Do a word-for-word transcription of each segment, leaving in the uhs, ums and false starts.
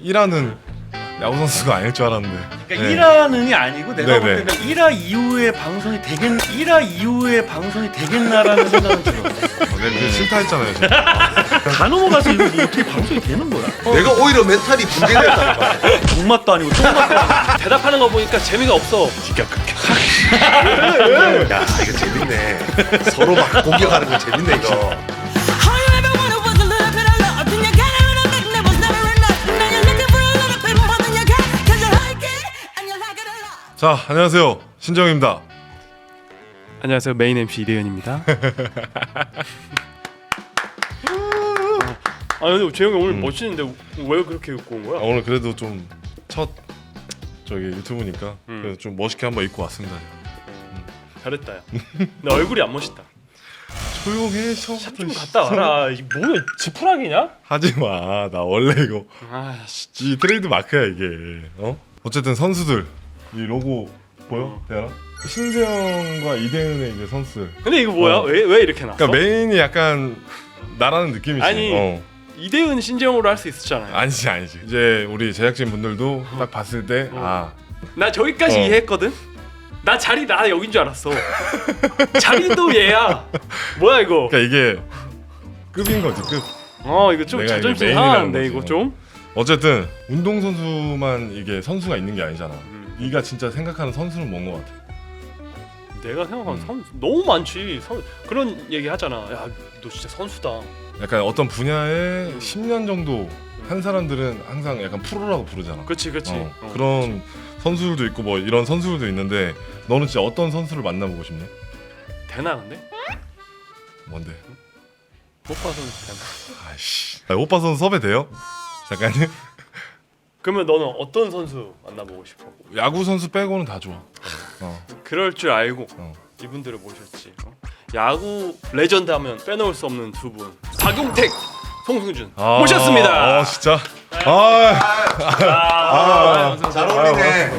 일하는 야구 선수가 아닐 줄 알았는데. 그러니까 네. 일화는이 아니고 내가 볼 네네. 때는 일화 이후에 방송이 되겠 일화 이후에 방송이 되겠나라는 생각은 들어. 어, 내가 싫다 했잖아요. 제가. 다 넘어가서 이거 뭐 어떻게 방송이 되는 거야? 내가 오히려 멘탈이 붕괴됐다니까. 목맛도 아니고 똥맛도 아니고. 대답하는 거 보니까 재미가 없어. 야 이거 재밌네. 서로 막 공격하는 거 재밌네 이거. 자, 안녕하세요. 신정입니다. 안녕하세요. 메인 엠씨 이대현입니다. 아 근데 재영이 오늘 음. 멋있는데 왜 그렇게 입고 온 아, 거야? 오늘 그래도 좀 첫 저기 유튜브니까 음. 그래도 좀 멋있게 한번 입고 왔습니다. 잘했다. 야. 나 얼굴이 안 멋있다. 조용해. 샵 좀 갔다 와라. 이 뭐야 지푸라기냐? 하지 마. 나 원래 이거 아씨. 이 트레이드 마크야 이게. 어? 어쨌든 선수들 이 로고 보여? 대현아? 신재영과 이대은의 이제 선수들. 근데 이거 뭐야? 어. 왜 왜 이렇게 나왔어? 그러니까 메인이 약간 나라는 느낌이지. 아니. 어. 이대은 신재영으로 할 수 있었잖아요. 아니지 아니지. 이제 우리 제작진 분들도 딱 봤을 때 어. 아. 나 저기까지 어. 이해했거든. 나 자리 나 여긴 줄 알았어. 자리도 얘야. 뭐야 이거? 그러니까 이게 급인 거지 급. 어 이거 좀 내가 이게 자존심 메인이라는 상하는데 거지. 이거 좀. 어쨌든 운동 선수만 이게 선수가 있는 게 아니잖아. 음. 네가 진짜 생각하는 선수는 뭔 것 같아? 내가 생각하는 음. 선수 너무 많지. 선, 그런 얘기 하잖아. 야, 너 진짜 선수다. 약간 어떤 분야에 음. 십 년 정도 한 사람들은 항상 약간 프로라고 부르잖아. 그렇지, 그렇지. 어, 어, 그런 선수들도 있고 뭐 이런 선수들도 있는데 너는 진짜 어떤 선수를 만나보고 싶니? 되나 근데? 뭔데? 못 봐서 되나? 아이씨. 아, 오빠 선수 섭외 돼요? 잠깐요. 그러면 너는 어떤 선수 만나보고 싶어? 야구 선수 빼고는 다 좋아. 어. 그럴 줄 알고 어. 이분들을 모셨지. 어? 야구 레전드 하면 빼놓을 수 없는 두 분. 박용택, 송승준 아, 모셨습니다. 어 진짜. 아, 아, 아, 잘 어울리네.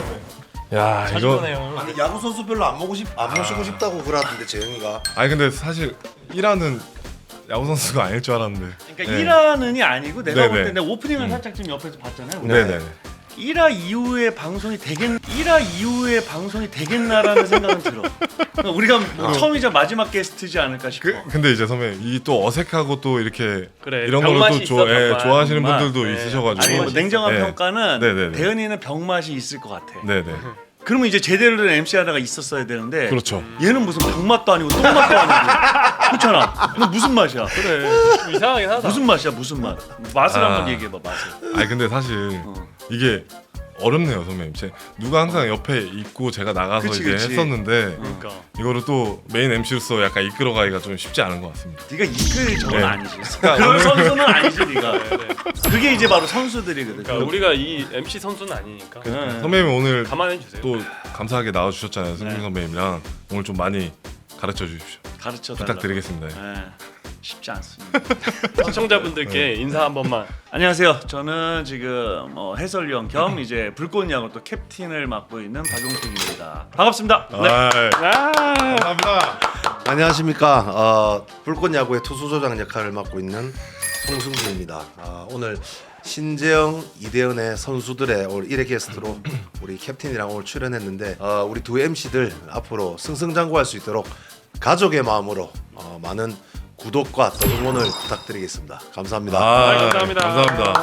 야 자주 이거. 보네요. 아니 야구 선수 별로 안 모고 싶, 안 모시고 싶다고 그러던데 재영이가. 아니 근데 사실 일하는 야구 선수가 아닐 줄 알았는데. 그러니까 네. 일화는이 아니고 내가 네네. 볼 때는 오프닝을 음. 살짝 좀 옆에서 봤잖아요. 네네. 일화 이후에 방송이 되겠 일화 이후에 방송이 되겠나라는 생각은 들어. 그러니까 우리가 뭐 처음이자 마지막 게스트지 않을까 싶어. 그, 근데 이제 선배 이 또 어색하고 또 이렇게 그래, 이런 걸로 병맛이 또 있어, 좋아, 예, 병맛. 좋아하시는 병맛. 분들도 네. 있으셔가지고. 아니 뭐 냉정한 네. 평가는 네네네. 대현이는 병맛이 있을 것 같아. 네네. 그러면 이제 제대로 된 엠씨 하나가 있었어야 되는데 그렇죠. 얘는 무슨 병맛도 아니고 똥맛도 아니고 그렇잖아. 너 무슨 맛이야? 그래. 좀 이상하긴 하다. 무슨 맛이야? 무슨 맛? 맛을 아. 한번 얘기해봐 맛을. 아니 근데 사실 이게 어렵네요 선배님. 제 누가 항상 옆에 있고 제가 나가서 그치, 이제 그치. 했었는데 그러니까. 이거를 또 메인 엠씨로서 약간 이끌어가기가 좀 쉽지 않은 것 같습니다. 네가 이끌 저건 네. 아니지. 그러니까 그런 오늘- 선수는 아니지 네가. 네, 네. 그게 이제 바로 선수들이거든. 그러니까 우리가 이 엠씨 선수는 아니니까 네. 선배님 오늘 감안해 주세요. 또 감사하게 나와주셨잖아요. 승준 네. 선배님이랑 오늘 좀 많이 가르쳐 주십시오. 가르쳐 달라고. 부탁드리겠습니다. 네. 쉽지 않습니다. 시청자분들께 인사 한 번만. 안녕하세요. 저는 지금 뭐 해설위원 겸 이제 불꽃야구 또 캡틴을 맡고 있는 박용택입니다. 반갑습니다. 네. 아이, 아, 감사합니다. 안녕하십니까. 어, 불꽃야구의 투수조장 역할을 맡고 있는 송승준입니다. 어, 오늘 신재영, 이대현의 선수들의 오늘 일 회 게스트로 우리 캡틴이랑 오늘 출연했는데 어, 우리 두 엠씨들 앞으로 승승장구할 수 있도록 가족의 마음으로 어, 많은 구독과 또 응원을 부탁드리겠습니다. 감사합니다. 아, 감사합니다. 감사합니다.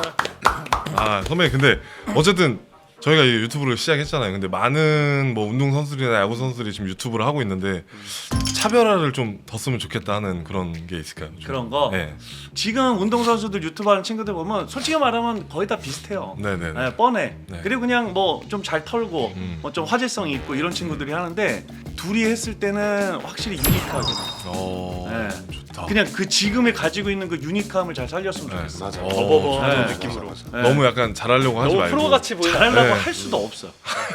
아 선배님 근데 어쨌든 저희가 이 유튜브를 시작했잖아요. 근데 많은 뭐 운동 선수들이나 야구 선수들이 지금 유튜브를 하고 있는데 차별화를 좀 뒀으면 좋겠다 하는 그런 게 있을까요? 좀? 그런 거? 네. 지금 운동선수들 유튜브 하는 친구들 보면 솔직히 말하면 거의 다 비슷해요. 네네네. 네, 뻔해. 네. 그리고 그냥 뭐 좀 잘 털고 음. 뭐 좀 화제성이 있고 이런 친구들이 하는데 둘이 했을 때는 확실히 유니크하게. 어 네. 좋다. 그냥 그 지금에 가지고 있는 그 유니크함을 잘 살렸으면 네, 좋겠어. 맞아. 어, 버버버하는 네. 느낌으로. 네. 너무 약간 잘하려고 하지 너무 말고. 프로같이 보이는. 잘하려고 네. 할 수도 없어.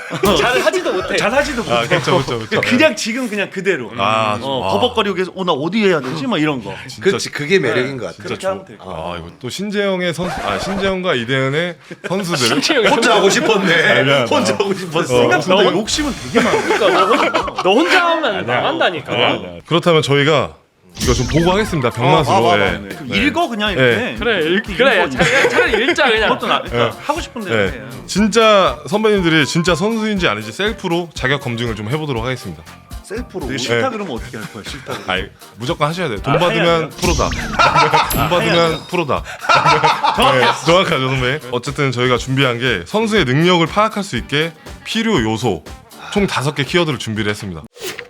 잘 하지도 못해. 잘하지도 못해. 아 그렇죠 그렇죠 그렇죠. 그냥 지금 그냥 그대로. 아, 어, 아. 버벅거리고 계속 어나 어디 해야 되지? 막 이런 거. 진짜 그렇지 그게 매력인 것 같아. 진짜 그렇게 좋- 하면 될 거야. 아 이거 또 신재영의 선수 아 신재영과 이대현의 선수들. 혼자 하고 싶었네. 미안하다. 혼자 하고 싶었어. 생각보다 너- 욕심은 되게 많아. 그러니까 너, 혼- 너 혼자 하면 나간다니까. 아니야, 아니야. 그렇다면 저희가 이거 좀 보고 하겠습니다. 병맛으로. 어, 봐봐, 예. 봐봐. 그 네. 읽어 그냥 이렇게. 네. 그래 일, 이렇게 그래 읽어. 차라리, 차라리 읽자 그냥. 그것도 나 그러니까 네. 하고 싶은 대로 네. 해. 진짜 선배님들이 진짜 선수인지 아닌지 셀프로 자격 검증을 좀 해보도록 하겠습니다. 셀프로 되게 우리- 싫다 네. 그러면 어떻게 할 거야? 싫다. 그러면. 아이 무조건 하셔야 돼요. 돈 아, 해야 받으면 돼요? 프로다. 돈 받으면 프로다. 네, 정확하죠 선배. 어쨌든 저희가 준비한 게 선수의 능력을 파악할 수 있게 필요 요소 총 다섯 개 키워드를 준비를 했습니다.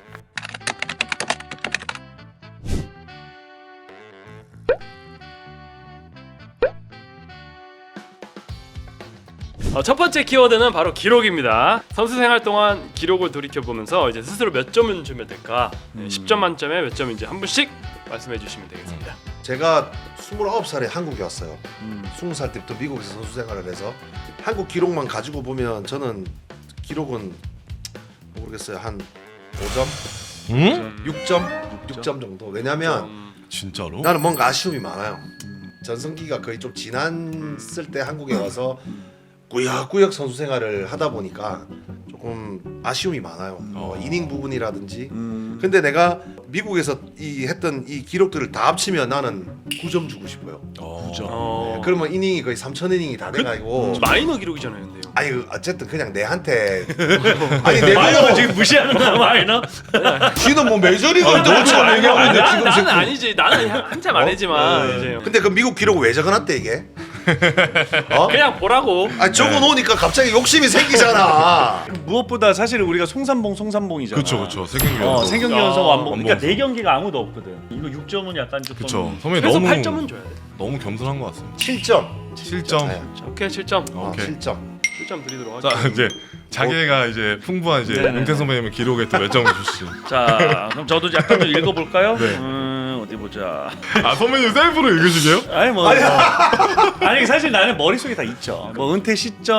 어, 첫 번째 키워드는 바로 기록입니다. 선수 생활 동안 기록을 돌이켜 보면서 이제 스스로 몇 점을 주면 될까? 네, 십 점 만점에 몇 점인지 한 분씩 말씀해 주시면 되겠습니다. 제가 스물아홉 살에 한국에 왔어요. 음. 스무 살 때부터 미국에서 선수 생활을 해서 한국 기록만 가지고 보면 저는 기록은 모르겠어요. 한 오 점, 응? 육 점, 육 점 정도. 왜냐면 음, 진짜로? 나는 뭔가 아쉬움이 많아요. 전성기가 거의 좀 지났을 때 한국에 와서 꾸역꾸역 선수 생활을 하다 보니까 조금 아쉬움이 많아요. 어, 이닝 부분이라든지. 음. 근데 내가 미국에서 이 했던 이 기록들을 다 합치면 나는 구 점 주고 싶어요. 어. 어, 네, 그러면 이닝이 거의 삼천 이닝이 다 돼가지고. 마이너 기록이잖아요, 근데요. 아니 어쨌든 그냥 내한테 아니 내 마이너 말로 지금 무시하는 거야 마이너? 지는 뭐 메이저리그 너처럼 얘기하고 있는데 나는, 지금 나는 지금 아니지. 나는 한- 한참 아니지만 어? 이제 근데 그 미국 기록 왜 적어놨대 이게? 어? 그냥 보라고. 아 적어놓으니까 갑자기 욕심이 생기잖아. 무엇보다 사실 우리가 송삼봉 송삼봉이잖아. 그쵸 그쵸 세경기 어, 연속. 생경기 아, 연속 완봉. 그러니까 완봉. 네 경기가 아무도 없거든. 이거 육 점은 약간 조금. 그쵸 선배 그래서 너무 팔 점은 줘야 돼. 너무 겸손한 것 같습니다. 칠 점. 칠 점. 네. 오케이 칠 점. 어, 오케이. 칠 점. 칠 점 드리도록 자 할게요. 이제 자기가 이제 풍부한 이제 네네네. 은퇴 선배님의 기록에 또 몇 점을 주시죠. 자, 그럼 저도 약간 좀 읽어볼까요? 네. 음, 어디 보자. 아 선배님 셀프로 읽으시게요? 아니 뭐, 뭐. 아니 사실 나는 머릿속에 다 있죠. 뭐 은퇴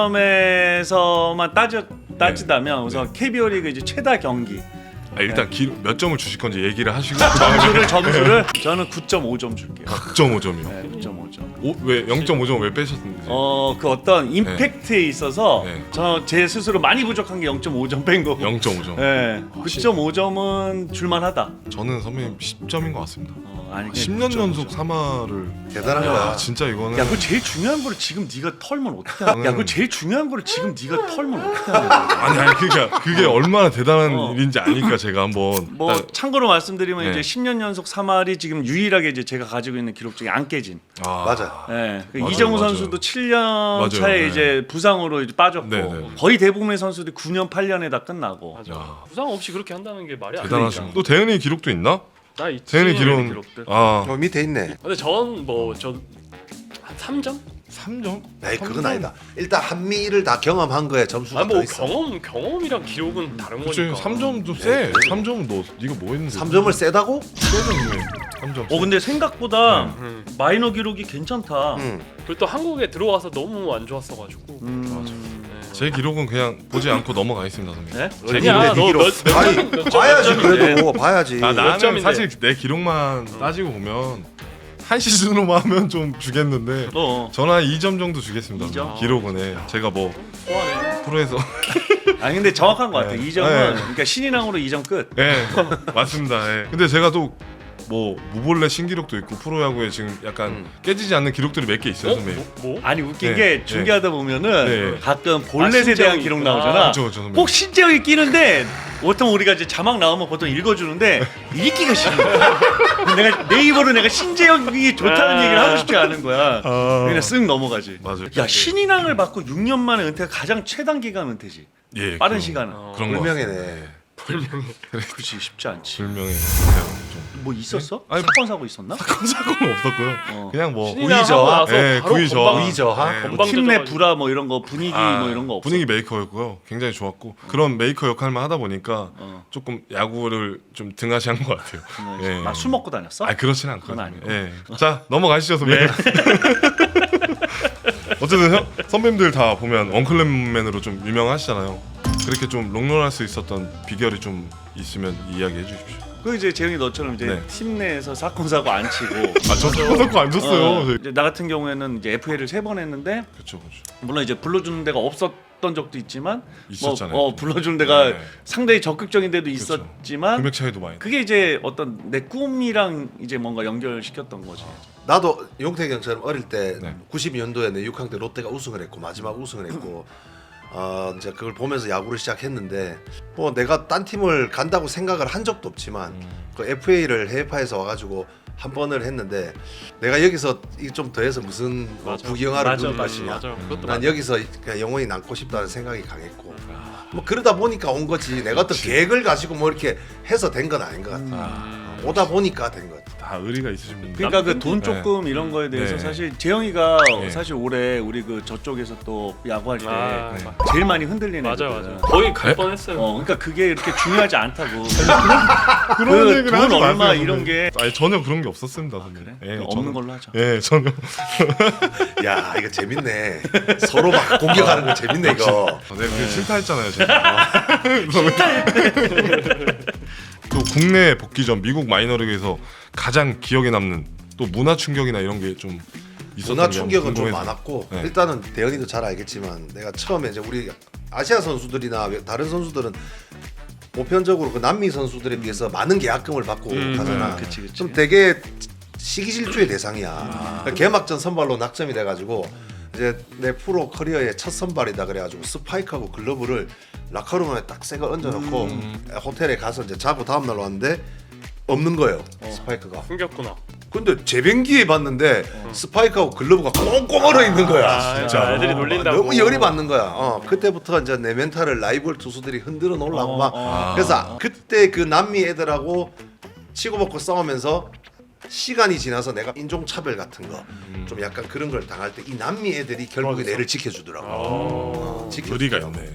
시점에서만 따져 따지다면 우선 케이비오 리그 이제 최다 경기 아, 일단 기록 몇 점을 주실 건지 얘기를 하시고 점수를 점수를 저는 구 점 오 점 줄게요. 구 점 오 점이요. 네, 구 점 오 점. 오, 왜 영 점 오 점 왜 빼셨는지. 어, 그 어떤 임팩트에 있어서 네. 저 제 스스로 많이 부족한 게 영 점 오 점 뺀 거고. 영 점 오 점. 네, 구 점 오 점은 줄만하다. 저는 선배님 십 점인 것 같습니다. 어, 아니 십 년 연속 삼 화를. 대단한 야 거야. 진짜 이거는. 야, 그 제일 중요한 거를 지금 네가 털면 어떻게 하냐? 야, 그 제일 중요한 거를 지금 네가 털면 어떻게 하냐? 아니 아니 그러니까 그게 얼마나 대단한 어. 일인지 아니까 제가 한번. 뭐 딱- 참고로 말씀드리면 네. 이제 십 년 연속 삼 할이 지금 유일하게 이제 제가 가지고 있는 기록 중에 안 깨진. 아, 맞아. 예. 그 맞아요, 이정우 맞아요. 선수도 칠 년 맞아요, 차에 네. 이제 부상으로 이제 빠졌고 네, 네, 네. 거의 대부분의 선수들이 구 년 팔 년에 다 끝나고. 맞아. 야. 부상 없이 그렇게 한다는 게 말이 안 돼. 대단하십니다. 또 대현이 기록도 있나? 나 있지. 대현이 기록은 기록들. 아 어, 밑에 있네. 근데 전 뭐 저 한 삼 점? 삼 점? 에이 그건 아니다. 일단 한미를 다 경험한 거에 점수가 아니 뭐 더 있어. 경험 경험이랑 기록은 다른 그치 거니까. 삼 점도 세. 삼 점은 너 네가 뭐 했는데? 삼 점을 세다고? 삼 점. 어 근데 생각보다 음. 마이너 기록이 괜찮다. 응. 그리고 또 한국에 들어와서 너무 안 좋았어가지고. 음. 네. 제 기록은 그냥 보지 않고 넘어가겠습니다 선배님. 네? 재미야. 네 기록. 너몇 아니 몇 점, 봐야지 몇 점인데? 그래도 봐야지. 아 나는 점인데? 사실 내 기록만 따지고 보면 한 시즌으로만 하면 좀 주겠는데 어. 저는 한 이 점 정도 주겠습니다. 이 점? 기록은 해. 제가 뭐 소환해. 프로에서 아니 근데 정확한 것 같아. 네. 이 점은 네. 그러니까 신인왕으로 이 점 끝. 예 맞습니다. 예. 근데 제가 또 뭐 무볼레 신기록도 있고 프로야구에 지금 약간 음. 깨지지 않는 기록들이 몇 개 있어요 어? 선배님. 뭐? 뭐? 아니 웃긴 네. 게 중계하다 보면은 네. 가끔 볼넷에 아, 대한 신재영이 기록 있구나. 나오잖아. 그쵸, 그쵸, 선배님. 꼭 신재영이 끼는데 보통 우리가 이제 자막 나오면 보통 읽어주는데 읽기가 싫은 거야. 내가 네이버로 내가 신재영이 좋다는 아. 얘기를 하고 싶지 않은 거야. 아. 그냥 쓱 넘어가지. 맞아요. 야 신인왕을 받고 육 년 만에 은퇴가 가장 최단 기간 은퇴지. 예, 빠른 그런- 시간은. 어. 그런 거 불명예네. 그렇지 쉽지 않지. 불명예. 좀 뭐 있었어? 아니, 사건 사고 있었나? 사건 사고는 없었고요. 어. 그냥 뭐 신인왕 하고 우의저하? 나서 예, 바로 구의 저하. 건방- 우의 저하? 예, 건방 팀 내 져가지고. 불화 뭐 이런 거 분위기 아, 뭐 이런 거 없어. 분위기 메이커였고요. 굉장히 좋았고 그런 메이커 역할만 하다 보니까 어. 조금 야구를 좀 등하시한 것 같아요. 예. 아, 술 먹고 다녔어? 아 그렇진 그건 않거든요. 아니고. 예. 자 넘어가시죠 선배님. 어쨌든 형, 선배님들 다 보면 원클랩맨으로 좀 유명하시잖아요. 그렇게 좀 롱런할 수 있었던 비결이 좀 있으면 이야기해 주십시오. 그 이제 재영이 너처럼 이제 네. 팀 내에서 사건 사고 안 치고. 아저 사건 안 줬어요. 어, 저희. 이제 나 같은 경우에는 이제 에프에이를 세 번 했는데 그렇죠, 그렇죠. 물론 이제 불러주는 데가 없었던 적도 있지만 있었잖아요. 뭐, 어, 불러주는 데가 네. 상당히 적극적인 데도 그렇죠. 있었지만 금액 차이도 많이. 그게 이제 어떤 내 꿈이랑 이제 뭔가 연결시켰던 거지. 나도 용택이 형처럼 어릴 때 네. 구십이 년도에 내 육 학년 때 롯데가 우승을 했고 마지막 우승을 했고 어 이제 그걸 보면서 야구를 시작했는데 뭐 내가 딴 팀을 간다고 생각을 한 적도 없지만 음. 그 에프에이를 해외파에서 와가지고 한 번을 했는데 내가 여기서 이게 좀 더해서 무슨 뭐 맞아. 부경하를 맞아, 누릴 맞아, 것이냐. 맞아. 그것도 난 맞아. 여기서 그냥 영원히 남고 싶다는 생각이 강했고 뭐 그러다 보니까 온 거지. 내가 어떤 계획을 가지고 뭐 이렇게 해서 된 건 아닌 것 같아. 아, 오다 보니까 된 것 같아. 다 의리가 있으신 분들. 그러니까 그 돈 네. 조금 이런 거에 대해서 네. 사실 재영이가 네. 사실 올해 우리 그 저쪽에서 또 야구할 때 아, 네. 맞- 제일 많이 흔들리는 맞아 애거든. 맞아. 거의 갈 네? 뻔했어요. 어, 그러니까 그게 이렇게 중요하지 않다고. 그런 그 얘기를 돈 하지 얼마 마세요, 이런 선생님. 게 아니 전혀 그런 게 없었습니다, 선생님. 그래? 예, 그럼 전혀. 없는 걸로 하자. 예, 전혀. 야 이거 재밌네. 서로 막 공격하는 거 재밌네 이거. 아, 네, 그 실타했잖아요, 제가. 또 국내 복귀 전 미국 마이너리그에서 가장 기억에 남는 또 문화 충격이나 이런 게 좀 있었던 문화 게 충격은 좀 궁금해서. 많았고 네. 일단은 대현이도 잘 알겠지만 내가 처음에 이제 우리 아시아 선수들이나 다른 선수들은 보편적으로 그 남미 선수들에 비해서 많은 계약금을 받고 음, 가잖아. 음, 그치, 그치. 좀 되게 시기질투의 대상이야. 그러니까 개막전 선발로 낙점이 돼가지고 이제 내 프로 커리어의 첫 선발이다 그래가지고 스파이크하고 글러브를 라커룸에 딱 새거 얹어놓고 호텔에 가서 이제 자고 다음 날 왔는데 없는 거예요. 스파이크가. 숨겼구나. 근데 재변기에 봤는데 스파이크하고 글러브가 꽁꽁 얼어 있는 거야. 아, 진짜로? 애들이 놀린다고. 너무 열이 받는 거야. 어, 그때부터 이제 내 멘탈을 라이벌 투수들이 흔들어 놓으려고 어, 막. 어. 그래서 그때 그 남미 애들하고 치고받고 싸우면서 시간이 지나서 내가 인종차별 같은 거 좀 약간 그런 걸 당할 때 이 남미 애들이 결국에 내를 지켜주더라고. 어, 지켜주더라고. 의리가 있네.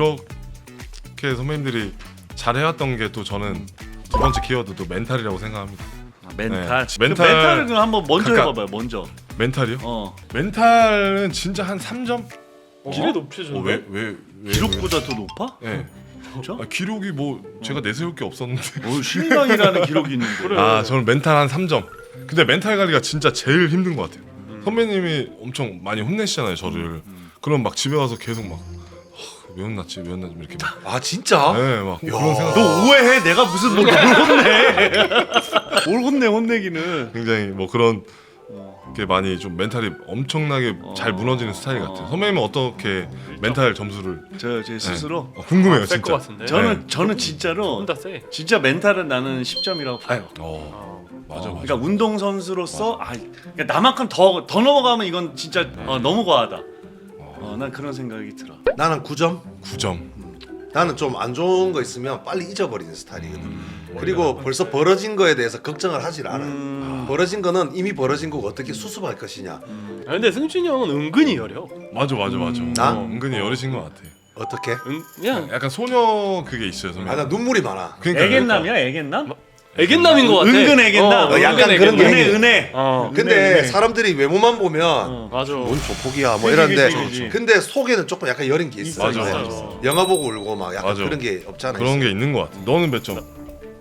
이렇게 선배님들이 잘해왔던 게 또 저는 두 번째 키워드도 멘탈이라고 생각합니다. 아, 멘탈. 네. 그 멘탈- 멘탈을 그럼 한번 먼저 그러니까- 해봐봐요. 먼저. 멘탈이요? 어. 멘탈은 진짜 한 삼 점? 길이 높여졌네. 어, 왜, 왜, 왜? 기록보다 더 높아? 왜? 네. 진짜? 아, 기록이 뭐 제가 내세울 게 없었는데. 어, 신랑이라는 기록이 있는데. 그래. 아 저는 멘탈 한 삼 점. 근데 멘탈 관리가 진짜 제일 힘든 것 같아요. 선배님이 엄청 많이 혼내시잖아요 저를. 그럼 막 집에 와서 계속 막 하, 왜 혼났지 왜 혼났지 이렇게 막. 아 진짜? 네, 막 그런 생각. 너 오해해. 내가 무슨 뭘 혼내. 뭘 혼내 혼내기는. 굉장히 뭐 그런 게 많이 좀 멘탈이 엄청나게 잘 무너지는 스타일 같아요. 선배님은 어떻게 멘탈 점수를 저 제 스스로 어, 궁금해요 셀것 진짜. 같은데. 저는 네. 저는 진짜로 혼자 세. 진짜 멘탈은 나는 십 점이라고 봐요. 어, 맞아 맞아. 그러니까 운동 선수로서 아 그러니까 나만큼 더 더 넘어가면 이건 진짜 어, 너무 과하다. 어, 난 그런 생각이 들어. 나는 구 점. 구 점. 나는 좀 안 좋은 거 있으면 빨리 잊어버리는 스타일이거든. 그리고 벌써 벌어진 거에 대해서 걱정을 하질 않아. 음. 벌어진 거는 이미 벌어진 거고 어떻게 수습할 것이냐. 아, 근데 승준이 형은 은근히 여려. 맞아 맞아 맞아. 나? 어, 은근히 여리신 것 같아. 어떻게? 은, 그냥 약간 소녀 그게 있어요 선배님. 아 나 눈물이 많아. 그러니까 애견남이야 애견남? 애견남인 것 같아. 은근 애견남. 어, 약간 은근 그런 게 애견남. 은혜 있네. 은혜. 어. 근데 네, 네. 사람들이 외모만 보면 어. 맞아. 뭔 조폭이야 뭐 그치, 이러는데 그치, 그치. 근데 속에는 조금 약간 여린 게 있어. 맞아, 이제. 맞아. 영화 보고 울고 막 약간 맞아. 그런 게 없잖아. 그런 게 있는 것 같아. 너는 몇 점?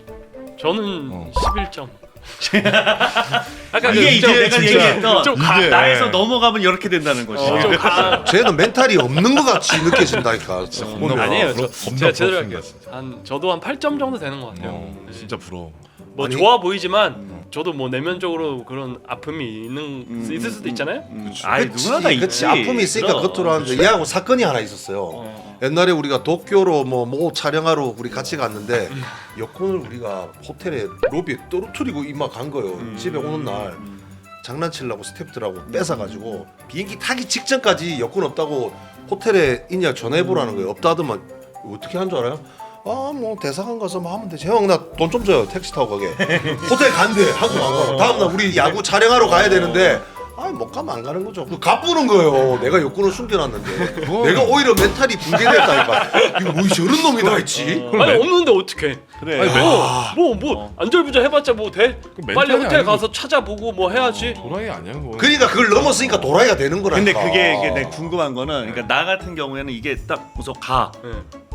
저는 어. 십일 점. 아까 이게 이제 내가 진짜 얘기했던 좀 가- 이게- 나에서 넘어가면 이렇게 된다는 거지. 어, 좀 가. 쟤는 멘탈이 없는 것 같이 느껴진다니까. 겁나 보면. 아니에요. 부러- 저, 겁나 제가 제대로 부럽습니다, 할게요. 진짜. 한 저도 한 팔 점 정도 되는 것 같아요. 어, 네. 진짜 부러워. 뭐 아니- 좋아 보이지만 저도 뭐 내면적으로 그런 아픔이 있는 음, 있을 수도 있잖아요. 음. 아이 그치, 누구나 다 있지. 그치. 아픔이 있으니까 그럼. 겉으로 하는데 얘하고 사건이 하나 있었어요. 어. 옛날에 우리가 도쿄로 뭐 뭐 촬영하러 우리 같이 갔는데 여권을 우리가 호텔에 로비에 떨어뜨리고 이마 간 거예요. 집에 오는 날 장난치려고 스태프들하고 뺏어가지고 비행기 타기 직전까지 여권 없다고 호텔에 있냐 전화해보라는 거예요. 없다 하더만 어떻게 한 줄 알아요? 아 뭐 대사관 가서 뭐 하면 되지. 형 나 돈 좀 줘요. 택시 타고 가게. 호텔 간대. 한국 안 가. 다음날 우리 야구 촬영하러 가야 되는데 아 못 가면 안 가는 거죠. 그 갚으는 거예요. 내가 여권을 숨겨놨는데 내가 오히려 멘탈이 붕괴됐다니까. 이거 뭐 저런 놈이 다 있지? 아니 없는데 어떡해? 그래. 아니, 뭐 뭐 안절부절 해봤자 뭐 돼? 그 빨리 멘탈이 호텔 아니고- 가서 찾아보고 뭐 해야지. 도라이 아니야 그거. 그러니까 그걸 넘었으니까 도라이가 되는 거라니까. 근데 그게 이게 내가 궁금한 거는 그러니까 나 같은 경우에는 이게 딱 우선 가. 네.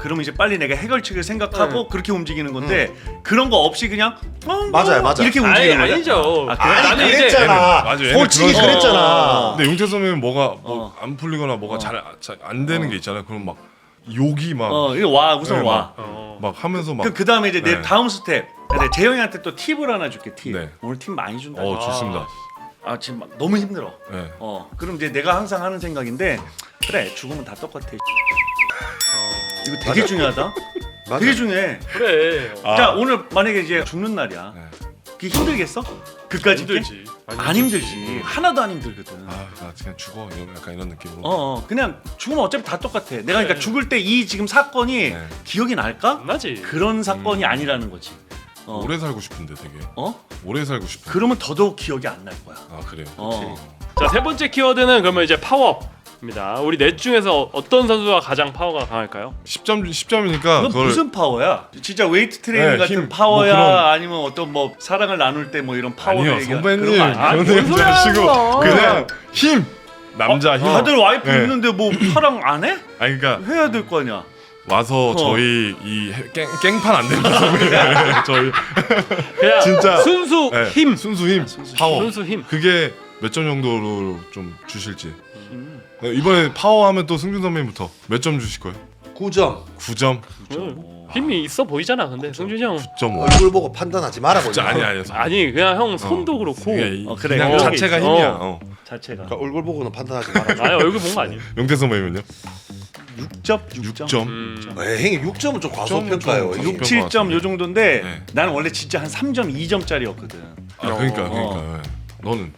그러면 이제 빨리 내가 해결책을 생각하고 네. 그렇게 움직이는 건데 그런 거 없이 그냥 어, 맞아요, 맞아요. 이렇게 아니 움직이는 거야. 아니죠. 아, 그래? 아니 나는 이제 그랬잖아. 맞아, 얘는 솔직히 그런 그랬잖아. 근데 용태 선배는 뭐가 뭐 어. 안 풀리거나 뭐가 어. 잘 안 되는 게 있잖아요. 그럼 막 욕이 막 어, 이거 와 우선 네, 와. 막, 어. 막 하면서 막 그 그다음에 이제 내 네. 다음 스텝. 네, 재영이한테 또 팁을 하나 줄게. 팁. 네. 오늘 팁 많이 준다. 어 좋습니다. 아 지금 막 너무 힘들어. 네. 어 그럼 이제 내가 항상 하는 생각인데 그래 죽으면 다 똑같아. 이거 되게 맞아. 중요하다. 맞아. 되게 중요해. 그래. 아. 자 오늘 만약에 이제 죽는 날이야. 네. 그게 힘들겠어? 그까지 힘들지. 안 힘들지. 하나도 안 힘들거든. 아, 나 그냥 죽어. 이런 약간 이런 느낌으로. 어, 어 그냥 죽으면 어차피 다 똑같아. 내가 그러니까 네. 죽을 때 이 지금 사건이 네. 기억이 날까? 나지. 그런 사건이 음. 아니라는 거지. 어. 오래 살고 싶은데 되게. 어? 오래 살고 싶어. 그러면 더더욱 기억이 안 날 거야. 아 그래요. 어. 자, 세 번째 키워드는 그러면 이제 파워입니다. 우리 넷 중에서 어떤 선수가 가장 파워가 강할까요? 십 점 십 점이니까 그건 그걸 무슨 파워야? 진짜 웨이트 트레이닝 네, 같은 힘, 파워야? 뭐 그런- 아니면 어떤 뭐 사랑을 나눌 때 뭐 이런 파워 아니요 얘기야? 선배님 그런 거 아니야? 아, 그런 뭔 얘기 소리 하는 하시고 거야. 그냥 힘 남자 힘. 다들 와이프 네. 있는데 뭐 사랑 안 해? 아니 그러니까 해야 될 거 아니야. 와서 어. 저희 이 해- 깽, 깽판 안 된다 선배님. 저희 그냥 진짜. 순수 네, 힘. 순수 힘 파워 순수 힘. 그게 몇 점 정도로 좀 주실지. 네, 이번에 파워 하면 또 승준 선배님부터 몇 점 주실 거예요? 구 점. 구 점? 음, 힘이 있어 보이잖아. 근데 승준이 형. 구 점 오. 얼굴 보고 판단하지 말아고. 진짜 아니 아니. 아니 그냥 형 손도 그렇고. 그게 어, 그래, 그냥 그런 게 자체가 있어. 힘이야. 어. 어. 자체가. 그러니까 얼굴 보고는 판단하지 말아줘. 아니 얼굴 본 거 아니에요? 용태 선배님은요? 육 점? 육 점? 육 점. 음. 에이, 형님 육 점은 좀 과소평가요. 좀 형님. 과소평가. 칠 점 요 정도인데 네. 나는 원래 진짜 한 삼 점, 이 점짜리였거든. 아 그러니까 어. 그러니까. 네. 너는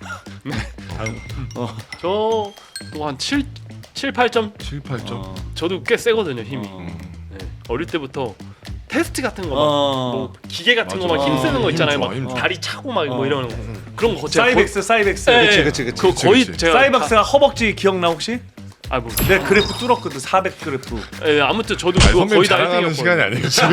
저도 한 칠, 칠, 팔 점. 칠, 팔 점. 어. 저도 꽤 세거든요 힘이. 어. 음. 네. 어릴 때부터 테스트 같은 거 막 어. 뭐 기계 같은 맞아. 거 막 어. 힘쓰는 거 힘 있잖아요. 좋아, 막 힘 좋아. 다리 차고 막 뭐 어. 이런 거 그런 거 제가 사이벡스, 사이벡스. 거의, 그치, 네, 그치, 그치, 그거 그치, 거의 그치. 제가 사이벡스가 허벅지 기억나 혹시? 아 뭐. 내 그래프 뚫었거든. 사백 그래프. 예, 아무튼 저도 아니, 그거 선배님 거의 다 자랑하는 일 등이었거든요. 시간이 아니에요 지금.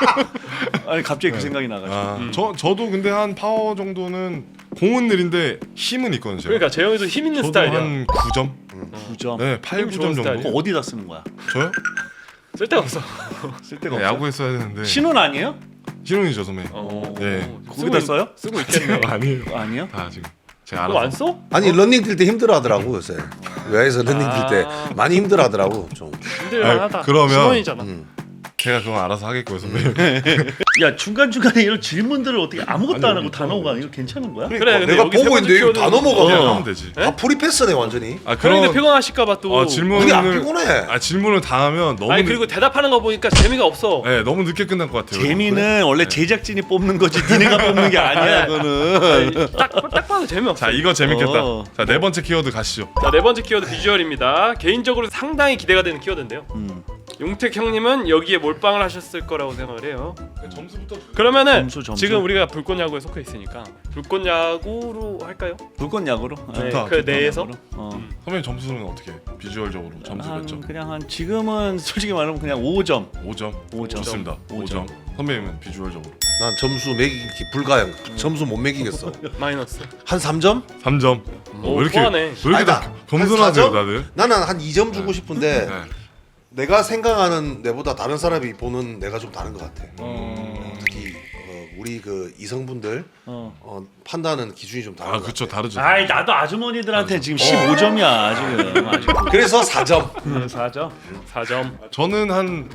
아니 갑자기 그 생각이 나가지고. 아, 음. 저 저도 근데 한 파워 정도는 공은 느린데 힘은 있거든요. 제가. 그러니까 재영이도 힘 있는 저도 스타일이야. 한 구 점. 구 점. 네, 팔, 힘 구 좋은 점 정도. 그거 어디다 쓰는 거야? 저요? 쓸데가 없어. 쓸 데가 네, 없어. 야구했어야 되는데. 신혼 아니에요? 신혼이죠 선배. 어. 네. 거기다 쓰고 써요? 있- 쓰고 있겠네. 아니에요. 아니요. 다 지금 제가 그거 알아서. 안 써? 아니 런닝 뛸 때 힘들어하더라고 요새. 외야에서 런닝 뛸 때 아. 많이 힘들어하더라고 좀. 힘들만하다. 아니, 그러면- 신혼이잖아. 음. 제가 그건 알아서 하겠고요 선배님. 야 중간 중간에 이런 질문들을 어떻게 아무것도 아니, 안 하고 여기 다 넘어가 이거 괜찮은 거야? 그래, 근데 내가 여기 세 보고 번째 있는데 이거 다 키워드는- 넘어가. 그냥 그냥. 하면 되지. 다 프리패스네 완전히. 아 그런데 그런 피곤하실까봐 또. 어, 질문을 그게 안 피곤해. 아 질문을 다 하면 너무 아니 늦- 그리고 대답하는 거 보니까 재미가 없어. 네, 너무 늦게 끝날 것 같아요. 재미는 원래 제작진이 뽑는 거지 니네가 뽑는 게 아니야 그거는. 딱딱 봐도 재미없어. 자 이거 재밌겠다. 어. 자 네 번째 키워드 가시죠. 자, 네 번째 키워드 비주얼입니다. 개인적으로 상당히 기대가 되는 키워드인데요. 음. 용택 형님은 여기에 몰빵을 하셨을 거라고 생각을 해요. 점수부터. 그러면은 점수, 점수. 지금 우리가 불꽃 야구에 속해 있으니까 불꽃 야구로 할까요? 불꽃 야구로. 네, 좋다, 그 좋다. 내에서 어. 선배님 점수는 어떻게? 비주얼적으로 점수 몇 한 점? 그냥 한 지금은 솔직히 말하면 그냥 오 점. 오 점. 오 점. 좋습니다. 오 오 점. 선배님은 비주얼적으로 난 점수 매기기 불가능. 점수 못 매기겠어. 마이너스. 한 삼 점? 삼 점. 어, 오, 왜 이렇게 후하네. 왜 이렇게 아니다. 다 겸손하세요 한 사 점? 다들? 나는 한 이 점 주고 싶은데 네. 내가 생각하는 내보다 다른 사람이 보는 내가 좀 다른 것 같아. 어. 특히 어, 우리 그 이성분들 어. 어, 판단하는 기준이 좀 다른 아 것 그쵸 같아. 다르죠. 아이 나도 아주머니들한테 지금 십오 점이야 지금. 아직. 그래서 사 점. 사 점. 사 점. 저는 한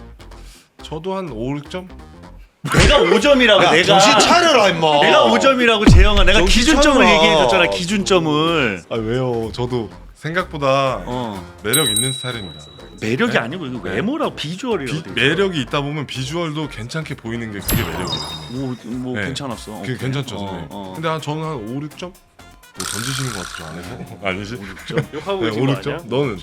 저도 한 오, 육 점? 내가 오 점이라고 야, 내가. 정신 차려라 임마. 내가 오 점이라고 재영아. 내가 정신 기준점을 차려라. 얘기해줬잖아. 기준점을. 아 왜요? 저도 생각보다 어. 매력 있는 스타일입니다. 매력이 네? 아니고 이거 외모라고 비주얼이라고. 비, 매력이 있다 보면 비주얼도 괜찮게 보이는 게 그게 매력이에요. 뭐, 뭐 네. 괜찮았어. 그게 오케이. 괜찮죠, 어, 선생님. 어. 근데 한 저는 한 오, 육 점? 뭐 던지시는 것 같죠 안에서? 아니지? 욕하고 네, 계신 오, 거 육 점? 아니야? 너는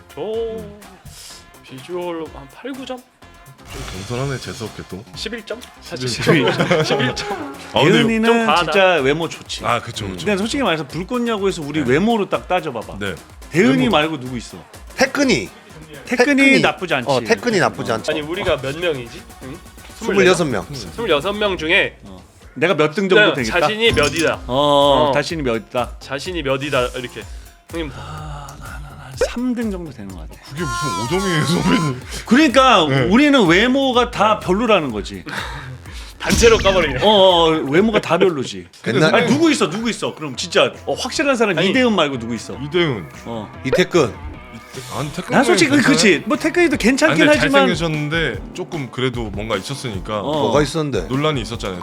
저 비주얼로 한 팔, 구 점? 좀 겸손하네 재수없게 또. 십일 점? 사실 십일 십일 점. 아 근데 예은이는 좀 과하다. 진짜 외모 좋지. 아 그쵸 그쵸. 근데 솔직히 말해서 불꽃 야구에서 우리 외모로 딱 따져봐봐. 네. 대은이 외모. 말고 누구 있어? 태근이. 태근이 나쁘지 않지. 어, 태근이 나쁘지 않지. 아니 우리가 몇 명이지? 응? 스물여섯 명. 스물여섯 명 중에 내가 몇 등 정도 그냥 되겠다. 자신이 몇이다. 어, 어. 자신이 몇이다. 자신이 몇이다 이렇게. 형님 삼 등 정도 되는 것 같아. 그게 무슨 오 점이에요, 선배님? 그러니까 네. 우리는 외모가 다 별로라는 거지. 단체로 까버리네. 어, 어 외모가 다 별로지. 옛날 아니 누구 있어 누구 있어? 그럼 진짜 어, 확실한 사람 아니, 이대훈 말고 누구 있어? 이대훈. 어. 이태근 안 태클. 난 솔직히 그렇지. 뭐 태클이도 괜찮긴 근데 하지만 잘생기셨는데 조금 그래도 뭔가 있었으니까 어. 뭐가 있었는데? 논란이 있었잖아요.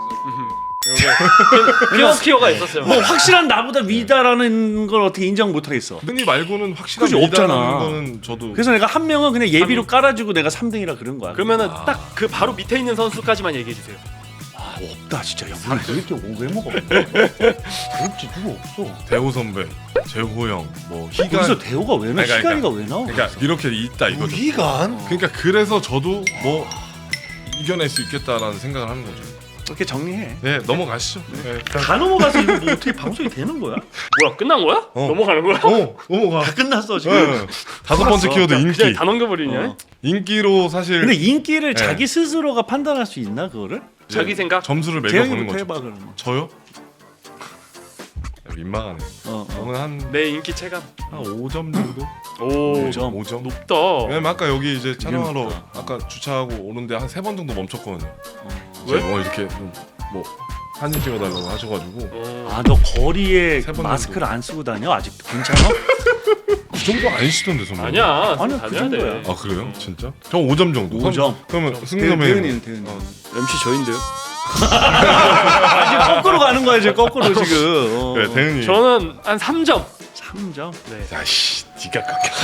피노키오가 있었어요. 뭐 확실한 나보다 위다라는 걸 어떻게 인정 못 하겠어. 흔히 말고는 확실한 그치, 미다라는 없잖아. 거는 저도. 그래서 내가 한 명은 그냥 예비로 깔아주고 내가 삼 등이라 그런 거야. 그러면은 딱 그 바로 밑에 있는 선수까지만 얘기해 주세요. 아, 없다 진짜. 야, 우리 이렇게 외모가 없네. 없지 누구 없어. 대호 선배, 재호 형, 뭐 희간. 거기서 대호가 왜 나와? 아니, 그러니까, 희간이가 왜 나와? 그러니까 이렇게 있다 이거죠. 우기간? 그러니까 그래서 저도 뭐 이겨낼 수 있겠다라는 생각을 하는 거죠. 이렇게 정리해. 네, 넘어가시죠. 네. 다 넘어가서 이거 뭐 어떻게 방송이 되는 거야? 뭐야 끝난 거야? 어. 넘어가는 거야? 어, 넘어가. 다 끝났어 지금. 네. 다섯 번째 키워드 그냥 인기. 다 넘겨버리냐? 어. 인기로 사실 근데 인기를 네. 자기 스스로가 판단할 수 있나 그거를? 이제 자기 생각? 점수를 매겨보는 재영이부터 거죠. 해봐 그러면. 저요? 민망하네. 어, 어. 저는 한 내 인기 체감. 한 오 점 정도? 오, 오 점. 오 점. 높다. 왜냐면 아까 여기 이제 촬영하러 높다. 아까 주차하고 오는데 한 세 번 정도 멈췄거든요. 왜? 뭐 이렇게 좀 뭐 사진 찍어달라고 하셔가지고 어. 아 너 거리에 세번 마스크를 안 쓰고 다녀 아직도 괜찮아? 그 정도 아니시던데 선배님. 아니야. 아니야, 다녀야 그 정도야. 돼. 아 그래요? 진짜? 저 오 점 정도. 오 점. 그러면 승 대- 선배님. 대은이는 대은이. 어. 엠씨 저인데요. 아, 지금 거꾸로 가는 거야 지금 거꾸로 지금. 어. 그래 대은이. 저는 한 삼 점. 삼 점. 네. 야씨, 네가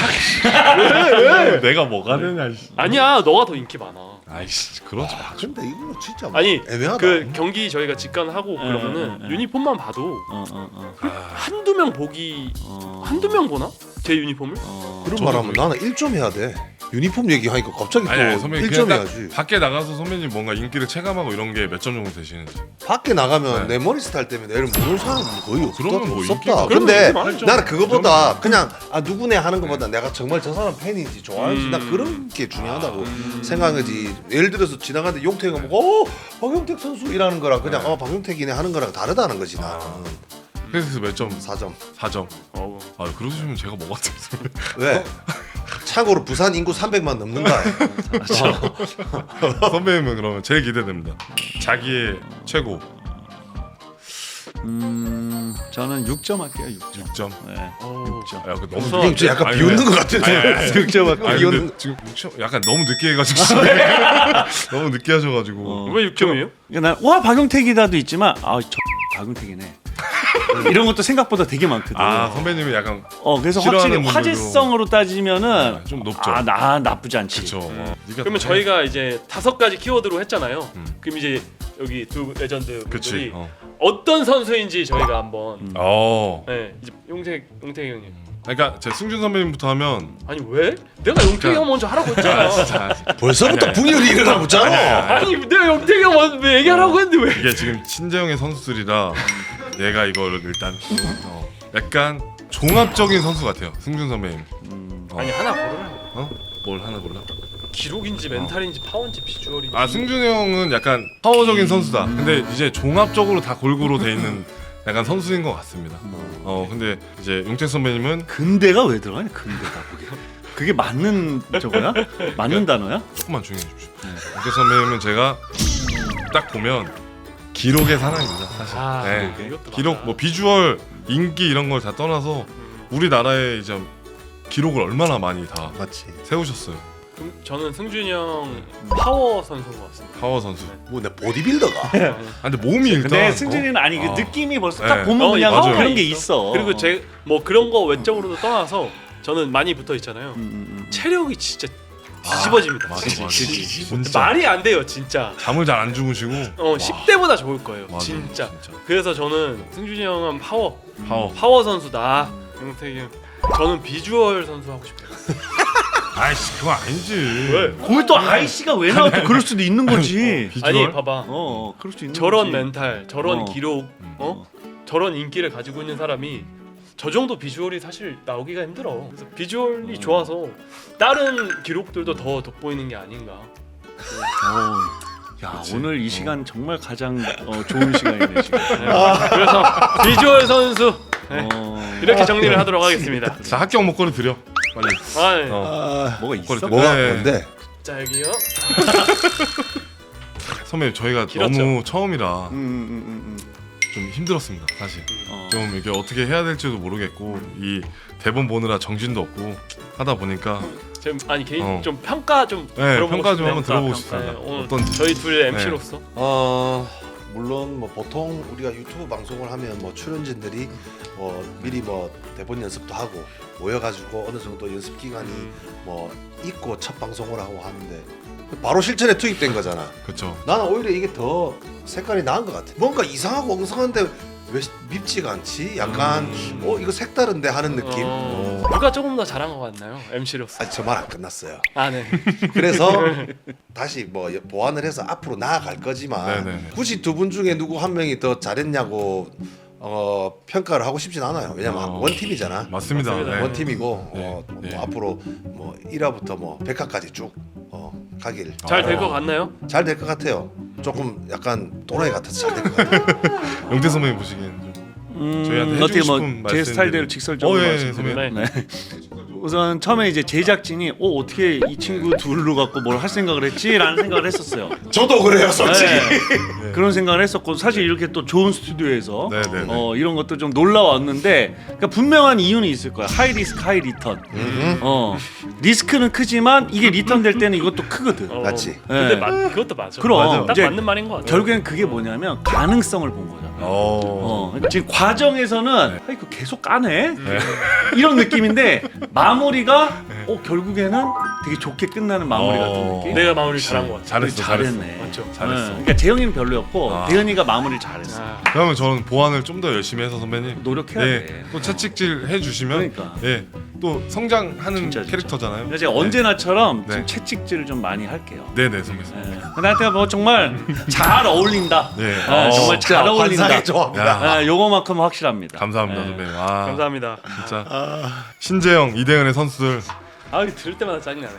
그렇게. 내가 뭐가 되냐. 씨. 아니야, 너가 더 인기 많아. 아이씨, 그러지 마. 근데 이거 진짜 아니 애매하다. 그 경기 저희가 직관하고 네, 그러면은 네, 네. 유니폼만 봐도 어 어 어. 한두 명 보기 어. 한두 명 보나? 제 유니폼을? 어. 그런 저도 말하면 그래요. 나는 일 점 해야 돼. 유니폼 얘기하니까 갑자기 아니, 아니 또 선배님 일 점 그냥 딱 해야지. 밖에 나가서 선배님 뭔가 인기를 체감하고 이런 게 몇 점 정도 되시는지. 밖에 나가면 네. 내 머리 스타일 때문에 내를 모르는 사람은 거의 없다. 그러면 뭐 없었다. 인기가- 그러면 근데 인기 많죠. 나는 그거보다 그냥 아 누구네 하는 것보다 내가 정말 저 사람 팬인지 좋아하는지 음. 난 그런 게 중요하다고 생각하지. 예를 들어서 지나가는데 용택이가 뭐 어, 박용택 선수 이라는 거랑 그냥 네. 어 박용택이네 하는 거랑 다르다는 거지 나는. 그래서 몇 점? 사 점. 사 점. 어. 아 그러시면 제가 뭐가 되겠어요? 왜? 참고로 부산 인구 삼백만 넘는가? 선배님은 그러면 제일 기대됩니다. 자기의 최고 음 저는 육 점 할게요 육 점. 육 점. 네. 어. 육 점. 야, 그 너무 우선- 늦게- 형 진짜 약간 아니, 비웃는 아니, 것 같아. 아니, 아니, 아니. 육 점 할까? 아니 비웃는. 근데 지금 육 점 약간 너무 늦게 해가지고 너무 늦게 하셔가지고 어. 왜 육 점이에요? 그러니까 난와 박용택이다도 있지만 아저 박용택이네. 이런 것도 생각보다 되게 많거든. 아 선배님이 약간 어 그래서 확실히 싫어하는 분들도- 화제성으로 따지면은 아, 좀 높죠. 아, 나 나쁘지 않지. 그쵸. 어, 네가 그러면 또 저희가 이제 다섯 가지 키워드로 했잖아요. 음. 그럼 이제 여기 두 레전드 그치. 분들이 어. 어떤 선수인지 저희가 한번 음. 어. 네, 이제 용택 용택 형님. 그러니까 제 승준 선배님부터 하면 아니 왜? 내가 용택이 형 먼저 하라고 했잖아. 자, 벌써부터 아니, 분열이 일어나고 있잖아. 아니 내가 용택이 형 먼저 얘기하라고 했는데 왜? 이게 지금 친재영의 선수들이라 내가 이거를 일단 어, 약간 종합적인 선수 같아요. 승준 선배님. 음. 어. 아니 하나 고르라. 어? 뭘 하나 골라? 기록인지 멘탈인지 파워인지 비주얼인지. 아 승준이 형은 약간 파워적인 선수다. 근데 이제 종합적으로 다 골고루 돼 있는 약간 선수인 것 같습니다. 어 근데 이제 용택 선배님은 근대가 왜 들어가냐? 근대가 그게. 그게 맞는 저거야? 맞는 단어야? 조금만 조용히 해주십시오. 용택 선배님은 제가 딱 보면 기록의 사나이입니다. 사실. 아, 네. 기록, 이것도 기록 맞아. 뭐 비주얼, 인기 이런 걸 다 떠나서 우리나라에 이제 기록을 얼마나 많이 다 맞지. 세우셨어요. 그럼 저는 승준이 형 파워 선수인 것 같습니다. 파워 선수. 뭐 내 보디빌더가. 아 근데 몸이 일단 근데 승준이는 아니 그 어. 느낌이 벌써 네. 딱 보면 어, 그냥 맞아요. 그런 게 있어. 그리고 제 뭐 그런 거 외적으로도 떠나서 저는 많이 붙어 있잖아요. 음, 음, 음. 체력이 진짜 뒤집어집니다. 맞아, 진짜. 맞아. 진짜. 진짜. 말이 안 돼요, 진짜. 잠을 잘 안 주무시고 어, 십 대보다 좋을 거예요. 맞아, 진짜. 진짜. 그래서 저는 승준이 형은 파워. 파워. 파워 선수다. 용택이 형. 저는 비주얼 선수 하고 싶어요. 아이씨 그거 아니지. 왜? 거기 또 아이씨가 왜 나와? 또 그럴 수도 있는 거지. 비주얼? 아니, 봐봐. 어, 어 그럴 수 있는 저런 거지. 멘탈, 저런 어. 기록, 어? 저런 인기를 가지고 있는 사람이 저 정도 비주얼이 사실 나오기가 힘들어. 그래서 비주얼이 좋아서 다른 기록들도 더 돋보이는 게 아닌가. 어. 야 그치. 오늘 이 어. 시간 정말 가장 어, 좋은 시간이네 지금. 네. 그래서 비주얼 선수 네. 어. 이렇게 정리를 하도록 하겠습니다. 자 합격 목걸이 드려. 빨리. 아, 네. 어. 아, 뭐가 있어? 꼬리- 뭐가 네. 뭔데? 자 여기요. 선배님 저희가 길었죠? 너무 처음이라 음, 음, 음, 음. 좀 힘들었습니다 사실. 어. 좀 이게 어떻게 해야 될지도 모르겠고 이 대본 보느라 정신도 없고 하다 보니까 지금 아니 개인 어. 좀 평가 좀 네, 들어보고 평가 좀 싶네요. 한번 들어보고 평가. 싶습니다. 네, 오늘 어떤지. 저희 둘 엠시로서 어 물론 뭐 보통 우리가 유튜브 방송을 하면 뭐 출연진들이 뭐 미리 뭐 대본 연습도 하고 모여가지고 어느 정도 연습 기간이 뭐 있고 첫 방송을 하고 하는데 바로 실전에 투입된 거잖아. 그렇죠. 나는 오히려 이게 더 색깔이 나은 것 같아. 뭔가 이상하고 엉성한데 왜 밉지가 않지? 약간 음. 어 이거 색다른데 하는 느낌. 어, 누가 조금 더 잘한 것 같나요? 엠시로서. 아직 저 말 안 끝났어요. 아 네. 그래서 다시 뭐 보완을 해서 앞으로 나아갈 거지만 네네네. 굳이 두 분 중에 누구 한 명이 더 잘했냐고 어, 평가를 하고 싶진 않아요. 왜냐면 어. 원 팀이잖아. 맞습니다. 맞습니다. 네. 원 팀이고 네. 어, 뭐 네. 앞으로 뭐 일 화부터 뭐 백 화까지 쭉 어, 가길 잘 될 어. 것 같나요? 잘 될 것 같아요. 조금 약간 또라이 같아서 잘 될 것 같아요. 영태 선배님 보시기엔 좀 음, 저희한테 해주고 어떻게 뭐 싶은 제 말씀들이- 스타일대로 직설적으로 어, 예, 말씀드리면 네. 네. 우선 처음에 이제 제작진이 어 어떻게 이 친구 둘로 갖고 뭘 할 생각을 했지라는 생각을 했었어요. 저도 그래요, 솔직히. 네. 그런 생각을 했었고 사실 이렇게 또 좋은 스튜디오에서 네네네. 어, 이런 것도 좀 놀라웠는데 그러니까 분명한 이유는 있을 거야. 하이 리스크 하이 리턴. 음. 어 리스크는 크지만 이게 리턴 될 때는 이것도 크거든. 어, 맞지? 근데 네. 맞, 그것도 맞아. 그럼, 맞아. 딱 이제 맞는 말인 것 같아. 결국엔 그게 뭐냐면 가능성을 본 거잖아. 어. 어, 지금 과정에서는 네. 아이 그 계속 까네 네. 이런 느낌인데 마무리가 어 결국에는 되게 좋게 끝나는 마무리 같은 어. 느낌. 내가 마무리 잘한 것 같아. 잘했어, 잘했네. 잘했어. 맞죠? 잘했어. 네. 그러니까 재영이는 별로였고 아. 대현이가 마무리를 잘했어. 아, 그러면 저는 보완을 좀 더 열심히 해서 선배님. 노력해야 예, 돼. 또 채찍질 해주시면 그러니까. 예, 또 성장하는 진짜, 진짜. 캐릭터잖아요. 그래서 제가 언제나처럼 네. 좀 채찍질을 좀 많이 할게요. 네네 선배님. 네. 나한테 뭐 정말 잘 어울린다. 네. 네, 어, 정말 잘 어울린다. 환상의 조합이다. 야. 네, 요거만큼 확실합니다. 감사합니다 네. 선배님. 아, 감사합니다. 진짜 신재영, 이대현의 선수들 아 이거 들을 때마다 짜증나네.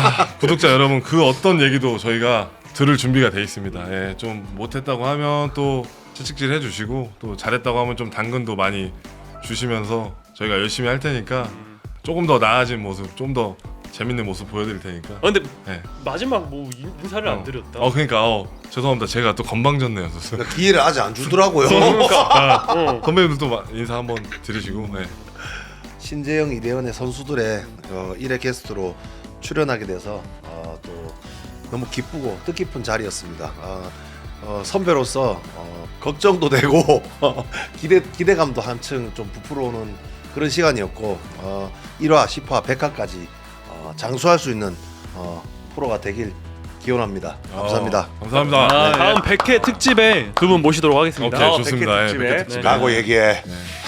구독자 여러분 그 어떤 얘기도 저희가 들을 준비가 돼 있습니다. 예, 좀 못했다고 하면 또 채찍질 해주시고 또 잘했다고 하면 좀 당근도 많이 주시면서 저희가 열심히 할 테니까 조금 더 나아진 모습, 좀 더 재밌는 모습 보여드릴 테니까. 어, 근데 예. 마지막 뭐 인- 인사를 안 드렸다. 어 그러니까 어, 죄송합니다. 제가 또 건방졌네요. 선수. 그러니까 기회를 아직 안 주더라고요. 어. 선배님들도 마- 인사 한번 드리시고. 예. 신재영, 이대현의 선수들의 어, 일 회 게스트로 출연하게 돼서 어, 또 너무 기쁘고 뜻깊은 자리였습니다. 어, 어, 선배로서 어, 걱정도 되고 기대 기대감도 한층 좀 부풀어오는 그런 시간이었고 어, 일 화, 십 화, 백 화까지 어, 장수할 수 있는 어, 프로가 되길 기원합니다. 감사합니다. 어, 감사합니다. 아, 다음 백 회 특집에 두 분 모시도록 하겠습니다. 오케이 어, 좋습니다. 백 회 예, 특집에. 백 회 특집에. 네. 라고 얘기해.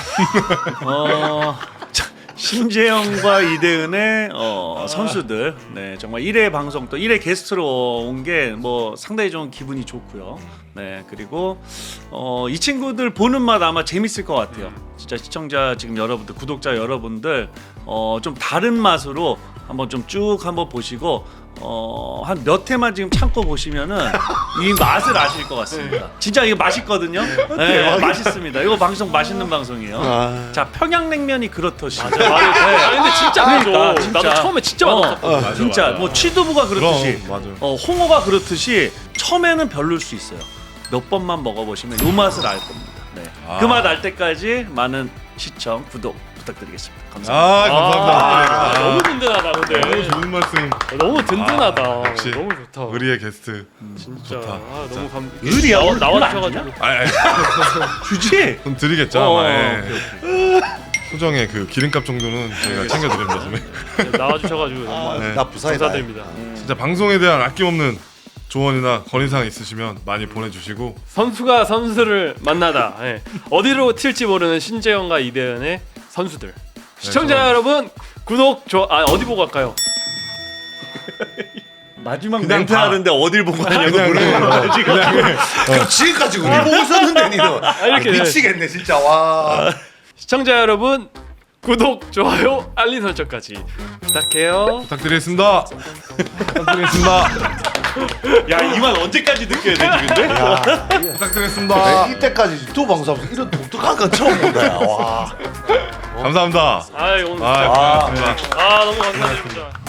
어, 자, 신재영과 이대은의 어, 선수들, 네 정말 일 회 방송 또 일 회 게스트로 온 게 뭐 상당히 좀 기분이 좋고요. 네 그리고 어, 이 친구들 보는 맛 아마 재밌을 것 같아요. 진짜 시청자 지금 여러분들, 구독자 여러분들 어, 좀 다른 맛으로 한번 좀 쭉 한번 보시고 어, 한 몇 회만 지금 참고 보시면은 이 맛을 아실 것 같습니다. 진짜 이거 맛있거든요. 네, 맛있습니다. 이거 방송 맛있는 방송이에요. 아. 자 평양냉면이 그렇듯이. 맞아, 맞아. 아, 근데 진짜 그러니까, 맞아. 진짜. 나도 처음에 진짜 어, 맛없었거든. 맞아, 진짜 맞아. 뭐 취두부가 그렇듯이, 그럼 맞아요. 어, 홍어가 그렇듯이 처음에는 별로일 수 있어요. 몇 번만 먹어보시면 요 맛을 알 겁니다. 네. 아. 그 맛 알 때까지 많은 시청, 구독 부탁드리겠습니다. 감사합니다. 아 감사합니다. 아, 아, 너무 든든하다 근데. 너무 좋은 말씀. 너무 든든하다. 아, 역시 너무 좋다. 의리의 게스트. 진짜. 좋다. 아, 너무 감. 의리야, 나와 오늘 나와주셔가지고. 아, 아, 주지? 돈 드리겠죠. 어, 아마. 예. 오케이, 소정의 그 기름값 정도는 저희가 챙겨드립니다, 선배. 나와주셔가지고 정말 네. 나 부산이다. 감사드립니다. 진짜 방송에 대한 아낌없는 조언이나 건의사항 있으시면 많이 보내주시고. 선수가 선수를 만나다. 예. 어디로 튈지 모르는 신재영과 이대현의 선수들. 시청자 저는- 여러분 구독 좋아. 아 어디 보고 갈까요? 마지막 그냥 멘트 봐. 하는데 어딜 보고 하냐고 그냥 물어보는 거야 지금. 그럼 지금까지 우리 보고 있었는데 니는 이렇게. 아, 미치겠네 진짜 와. 시청자 여러분 구독 좋아요 알림 설정까지 부탁해요. 부탁드리겠습니다. 부탁드리겠습니다. 야 이 말 언제까지 느껴야 되지 근데? 부탁드리겠습니다. 이때까지 유튜브 방송하면서 이런 독특한 건 처음 본다. 야. 와. 감사합니다. 아 오늘 아, 고맙습니다. 아 너무 감사드립니다.